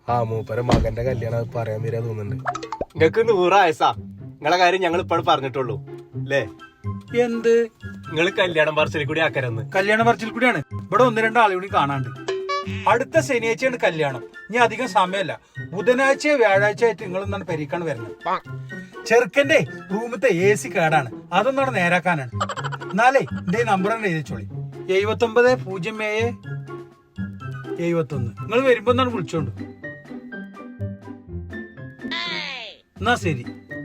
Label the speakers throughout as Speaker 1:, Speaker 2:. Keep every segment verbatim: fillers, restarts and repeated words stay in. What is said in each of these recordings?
Speaker 1: ആ മൂപ്പര മകന്റെ കല്യാണം അത് പറയാൻ വരാ തോന്നുന്നുണ്ട്.
Speaker 2: നിങ്ങക്ക് നൂറ് വയസ്സാ. നിങ്ങളെ കാര്യം ഞങ്ങൾ ഇപ്പോഴും പറഞ്ഞിട്ടുള്ളൂ അല്ലേ?
Speaker 3: എന്ത്
Speaker 2: നിങ്ങൾ കല്യാണം പറച്ചിൽ കൂടി ആക്കരെന്ന്.
Speaker 3: കല്യാണ പറച്ചിൽ കൂടിയാണ്. ഇവിടെ ഒന്ന് രണ്ട് ആളുകൾ കൂടി കാണാണ്ട്. അടുത്ത ശനിയാഴ്ചയാണ് കല്യാണം. ഇനി അധികം സമയമല്ല. ബുധനാഴ്ച വ്യാഴാഴ്ച ആയിട്ട് നിങ്ങൾ ഒന്നാണ് പെരീക്കാണ് വരുന്നത്. ചെറുക്കന്റെ റൂമത്തെ എ സി കേടാണ്, അതൊന്നാണ് നേരാക്കാനാണ്. എന്നാലേ എന്റെ നമ്പർ തന്നെ എഴുതിച്ചോളി. എഴുപത്തി ഒമ്പത് പൂജ്യം ഏഴ് എഴുപത്തി ഒന്ന്. നിങ്ങൾ വരുമ്പോ ഒന്നാണ് വിളിച്ചോണ്ട്. എന്നാ ശരി.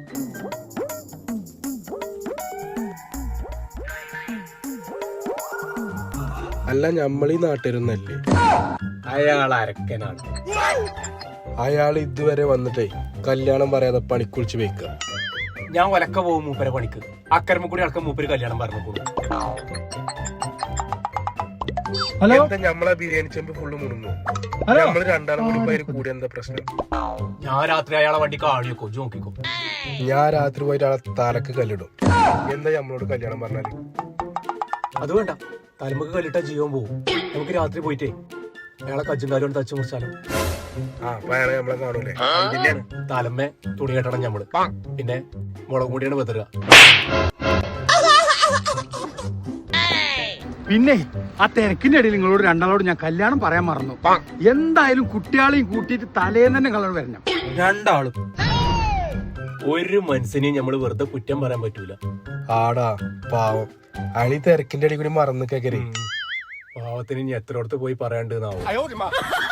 Speaker 1: അല്ല ഞമ്മളീ നാട്ടിരുന്നല്ലേ?
Speaker 2: അയാൾ അരക്കനാണ്.
Speaker 1: അയാൾ ഇതുവരെ വന്നിട്ടേ കല്യാണം പറയാതെ പണിക്കുളിച്ച് വെക്ക.
Speaker 2: ഞാൻ ഒലക്ക പോകും മൂപ്പരെ പണിക്ക്. അക്കരമ കൂടി അടക്കം മൂപ്പര് കല്യാണം പറഞ്ഞു.
Speaker 3: ഹലോ,
Speaker 1: എന്താ ഞമ്മളെ ബിരിയാണി ചെമ്പ് ഫുള്ള് മുറിഞ്ഞു. നമ്മള് രണ്ടാളും കൂടി പേര് കൂടി എന്താ പ്രശ്നം?
Speaker 2: ഞാൻ രാത്രി അയാളെ വണ്ടി കാണിക്കോ നോക്കിക്കോ.
Speaker 1: ഞാൻ രാത്രി പോയിട്ട് ആളെ തലക്ക് കല്ലിടും. എന്താ നമ്മളോട് കല്യാണം പറഞ്ഞാല്?
Speaker 2: അത് വേണ്ട, തലമുക്ക് കല്ലിട്ട ജീവൻ പോവും. നമുക്ക് രാത്രി പോയിട്ടേ അയാളെ കജ്ജുണ്ടാലും തച്ചു മുറിച്ചാലോ.
Speaker 1: ആ അപ്പൊ അയാളെ നമ്മളെ കാണൂലേ?
Speaker 2: തലമ്മേ തുണി കെട്ടണം ഞമ്മള്. പിന്നെ മുളക് കൂടിയാണ് വെതറുക.
Speaker 3: പിന്നെ ആ തിരക്കിന്റെ ഇടയിൽ നിങ്ങളോട് രണ്ടാളോട് ഞാൻ കല്യാണം പറയാൻ മറന്നു. എന്തായാലും കുട്ടികളെയും കൂട്ടിയിട്ട് തലേന്ന് തന്നെ കളർ വരണം രണ്ടാളും.
Speaker 2: ഒരു മനുഷ്യനെയും നമ്മള് വെറുതെ കുറ്റം പറയാൻ പറ്റൂല.
Speaker 1: ആടാ പാവം, അയാളീ തിരക്കിന്റെ ഇടയിൽ കൂടി മറന്നു കേക്കരേ.
Speaker 2: പാവത്തിന് ഇനി എത്ര അടുത്ത് പോയി പറയാണ്ട്.